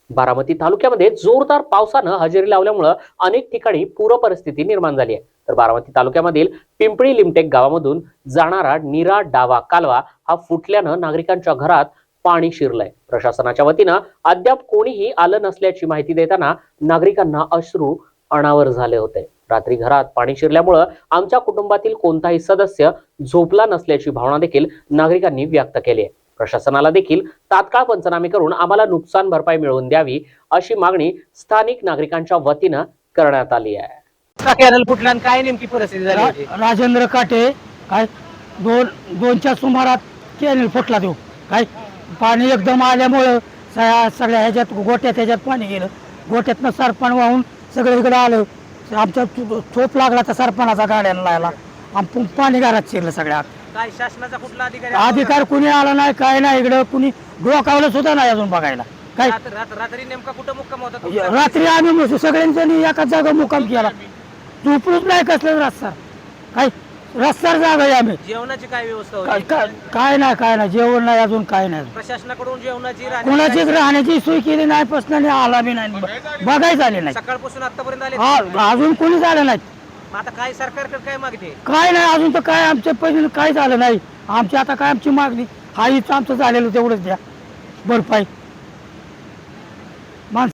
बारामती तालुक्यामध्ये जोरदार पावसानं हजेरी लावल्यामुळे अनेक ठिकाणी पूर परिस्थिती निर्माण झाली आहे. तर बारामती तालुक्यामधील पिंपळी लिमटेक गावामधून जाणारा नीरा डावा कालवा हा फुटल्यानं नागरिकांच्या घरात पाणी शिरलंय. प्रशासनाच्या वतीनं अद्याप कोणीही आलं नसल्याची माहिती देताना नागरिकांना अश्रू अनावर झाले होते. रात्री घरात पाणी शिरल्यामुळे आमच्या कुटुंबातील कोणताही सदस्य झोपला नसल्याची भावना देखील नागरिकांनी व्यक्त केली आहे. प्रशासनाला देखील तात्काळ पंचनामे करून आम्हाला नुकसान भरपाई मिळवून द्यावी अशी मागणी स्थानिक नागरिकांच्या वतीनं करण्यात आली आहे. कॅनल फुटला आणि काय नेमकी परिस्थिती झाली होती? राजेंद्र काटे काय दोनच्या सुमारात कॅनल फुटला तो काय पाणी एकदम आल्यामुळं सगळ्या ह्याच्यात गोट्यात पाणी गेलं. गोट्यातनं सरपण वाहून सगळं इकडं आलं. आमचा चोप लागला तर सरपणाचा गाड्यानं लागला आणि पाणी घरात शिरलं सगळ्यात. काय शासनाचा कुठला अधिकार कुणी आला नाही काय नाही. इकडं कुणी डोकावलं सुद्धा नाही अजून बघायला. काय रात्री नेमका कुठं मुक्काम होता तुमचा? रात्री आम्ही सगळ्यांनी एकाच जागा मुक्काम केला. झोपलूच नाही कसलं रस्ता काय रस्त्यावर जागा आहे आम्ही. जेवणाची काय व्यवस्था होती? काय नाही जेवण नाही अजून काय नाही. प्रशासनाकडून जेवणाची कोणाचीच राहण्याची सोय केली नाही. प्रश्नाने आला बी नाही बघायच आले नाही. सकाळपासून आतापर्यंत आले अजून कोणी झालं नाही. आता काय सरकारकडे काय मागते? काय नाही अजून तर काय आमच्या पहिले काय झालं नाही. आमची आता काय आमची मागणी हा आमचं झालेलं तेवढंच द्या भरपाई.